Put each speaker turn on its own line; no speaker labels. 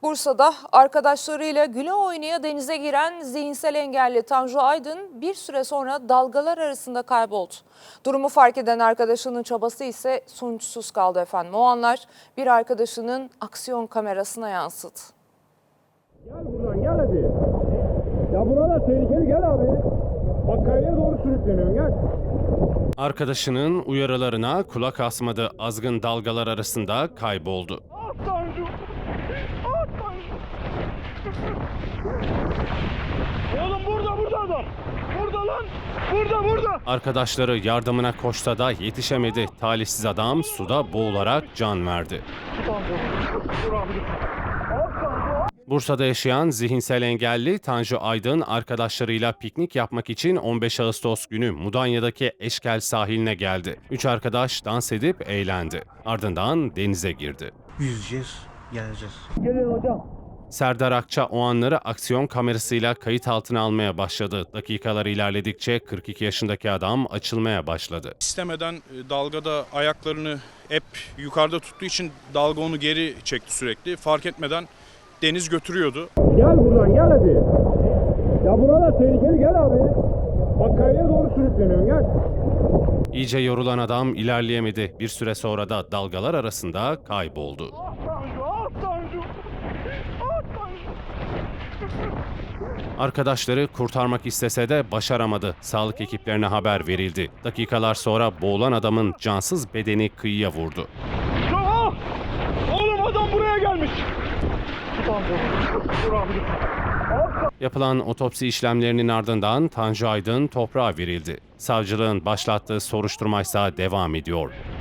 Bursa'da arkadaşlarıyla güle oynaya denize giren zihinsel engelli Tanju Aydın bir süre sonra dalgalar arasında kayboldu. Durumu fark eden arkadaşının çabası ise sonuçsuz kaldı efendim. O anlar bir arkadaşının aksiyon kamerasına yansıdı.
Gel buradan gel hadi. Ya burada tehlikeli gel abi. Bak kayaya doğru sürükleniyorsun gel.
Arkadaşının uyarılarına kulak asmadı, azgın dalgalar arasında kayboldu.
Ah Tanju. Ah Tanju. Oğlum burada adam. Burada lan. Burada.
Arkadaşları yardımına koşsa da yetişemedi. Talihsiz adam suda boğularak can verdi.
Dur abi dur.
Bursa'da yaşayan zihinsel engelli Tanju Aydın arkadaşlarıyla piknik yapmak için 15 Ağustos günü Mudanya'daki Eşkel sahiline geldi. 3 arkadaş dans edip eğlendi. Ardından denize girdi.
Yüzeceğiz, geleceğiz.
Gelin hocam.
Serdar Akça o anları aksiyon kamerasıyla kayıt altına almaya başladı. Dakikalar ilerledikçe 42 yaşındaki adam açılmaya başladı.
İstemeden dalgada ayaklarını hep yukarıda tuttuğu için dalga onu geri çekti sürekli. Fark etmeden deniz götürüyordu.
Gel buradan gel hadi. Ya burada tehlikeli gel abi. Bak kayaya doğru sürükleniyorsun gel.
İyice yorulan adam ilerleyemedi. Bir süre sonra da dalgalar arasında kayboldu.
Ah Tanju, ah Tanju. Ah Tanju.
Arkadaşları kurtarmak istese de başaramadı. Sağlık ekiplerine haber verildi. Dakikalar sonra boğulan adamın cansız bedeni kıyıya vurdu.
Ah! Oğlum adam buraya gelmiş. Dur abi dur.
Yapılan otopsi işlemlerinin ardından Tanju Aydın toprağa verildi. Savcılığın başlattığı soruşturma ise devam ediyor.